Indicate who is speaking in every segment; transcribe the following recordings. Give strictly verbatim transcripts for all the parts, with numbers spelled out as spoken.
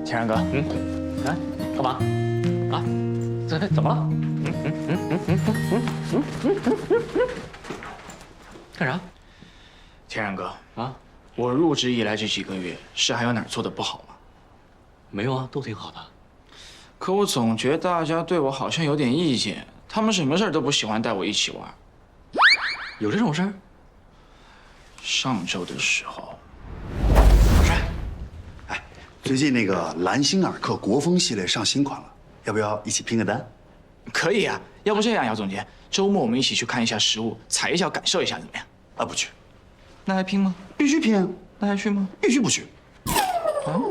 Speaker 1: 天然哥，嗯，
Speaker 2: 啊，干嘛？啊，这怎么了？嗯嗯嗯嗯嗯嗯嗯嗯嗯嗯，干啥？
Speaker 1: 天然哥
Speaker 2: 啊，
Speaker 1: 我入职以来这几个月，是还有哪儿做的不好吗？
Speaker 2: 没有啊，都挺好的。
Speaker 1: 可我总觉得大家对我好像有点意见，他们什么事儿都不喜欢带我一起玩。
Speaker 2: 有这种事儿？
Speaker 1: 上周的时候，
Speaker 3: 哎，最近那个兰心尔克国风系列上新款了，要不要一起拼个单？
Speaker 1: 可以啊，要不这样，姚总监，周末我们一起去看一下实物，踩一脚，感受一下，怎么样？
Speaker 3: 啊，不去，
Speaker 1: 那还拼吗？
Speaker 3: 必须拼啊！
Speaker 1: 那还去吗？
Speaker 3: 必须不去。
Speaker 1: 啊？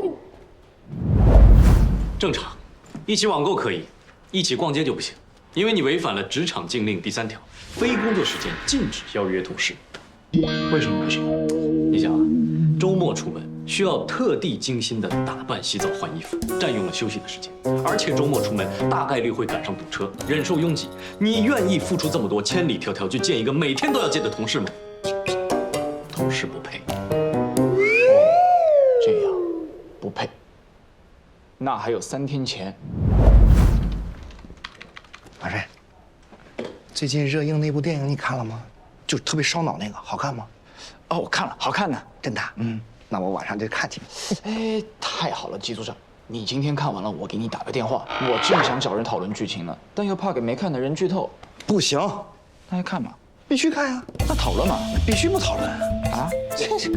Speaker 2: 正常，一起网购可以，一起逛街就不行，因为你违反了职场禁令第三条，非工作时间禁止邀约同事。
Speaker 1: 为什么不行？
Speaker 2: 你想啊，周末出门需要特地精心的打扮、洗澡、换衣服，占用了休息的时间，而且周末出门大概率会赶上堵车，忍受拥挤。你愿意付出这么多，千里迢迢去见一个每天都要见的同事吗？同事不配。
Speaker 1: 这样，不配。那还有三天前，
Speaker 4: 马瑞，最近热映那部电影你看了吗？就是特别烧脑那个，好看吗？
Speaker 1: 哦，我看了，好看呢。
Speaker 4: 真的？嗯，那我晚上就看去。
Speaker 1: 哎，太好了，季组长，你今天看完了，我给你打个电话。我正想找人讨论剧情呢，但又怕给没看的人剧透。
Speaker 4: 不行，
Speaker 1: 那还看吗？
Speaker 4: 必须看呀！
Speaker 1: 那讨论嘛，
Speaker 4: 必须不讨论
Speaker 1: 啊？
Speaker 4: 真是。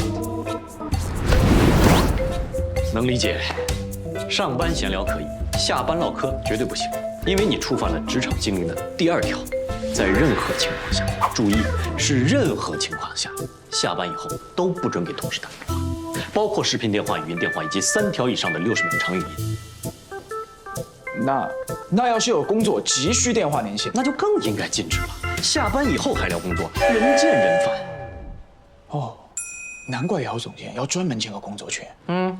Speaker 2: 能理解，上班闲聊可以，下班唠嗑绝对不行，因为你触犯了职场禁令的第二条，在任何情况下，注意是任何情况下，下班以后都不准给同事打电话，包括视频电话、语音电话以及三条以上的六十秒长语音。
Speaker 1: 那那要是有工作急需电话联系，
Speaker 2: 那就更应该禁止了。下班以后还聊工作，人见人烦。
Speaker 1: 哦，难怪姚总监要专门建个工作群。
Speaker 2: 嗯。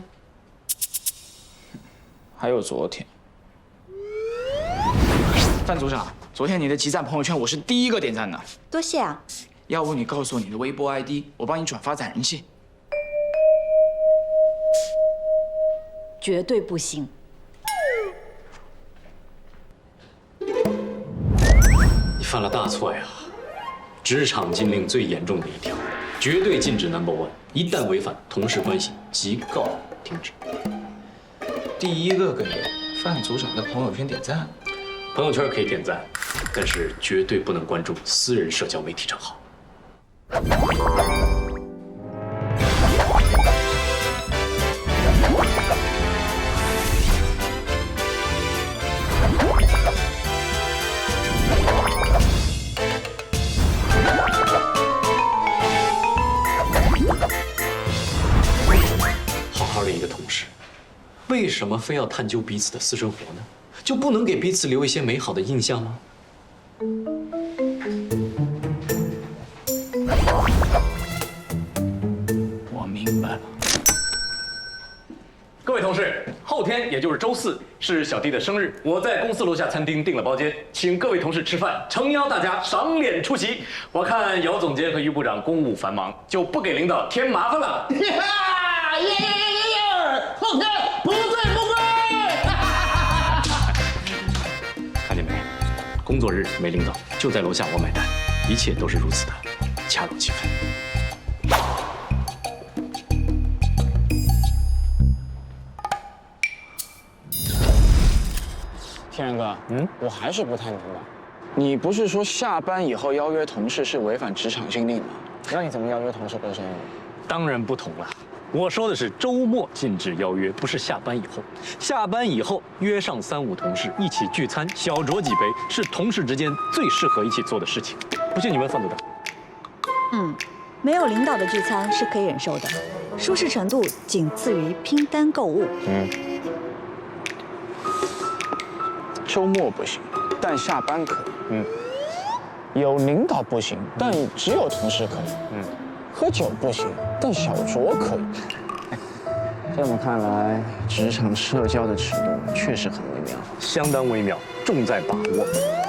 Speaker 1: 还有昨天，范组长，昨天你的集赞朋友圈我是第一个点赞的，
Speaker 5: 多谢啊！
Speaker 1: 要不你告诉我你的微博 I D， 我帮你转发攒人气。
Speaker 5: 绝对不行！
Speaker 2: 你犯了大错呀！职场禁令最严重的一条，绝对禁止 number one， 一旦违反，同事关系即告停止。
Speaker 1: 第一个给范组长的朋友圈点赞，
Speaker 2: 朋友圈可以点赞，但是绝对不能关注私人社交媒体账号。好好的一个同事，为什么非要探究彼此的私生活呢？就不能给彼此留一些美好的印象吗？
Speaker 1: 我明白了。
Speaker 2: 各位同事，后天也就是周四是小弟的生日，我在公司楼下餐厅订了包间，请各位同事吃饭，诚邀大家赏脸出席。我看姚总监和于部长公务繁忙，就不给领导添麻烦了。
Speaker 6: 耶耶耶耶耶！后天不醉不归。
Speaker 2: 看见没？工作日没领导，就在楼下我买单，一切都是如此的恰如其分。
Speaker 1: 天然哥，嗯，我还是不太明白，你不是说下班以后邀约同事是违反职场禁令吗？那你怎么邀约同事过生日？
Speaker 2: 当然不同了。我说的是周末禁止邀约，不是下班以后。下班以后约上三五同事一起聚餐，小酌几杯，是同事之间最适合一起做的事情。不信你问范组长。
Speaker 5: 嗯，没有领导的聚餐是可以忍受的，舒适程度仅次于拼单购物。
Speaker 1: 嗯，周末不行，但下班可以。嗯，有领导不行，但只有同事可以。嗯，喝酒不行，但小酌可以。这么看来，职场社交的尺度确实很微妙，
Speaker 2: 相当微妙，重在把握。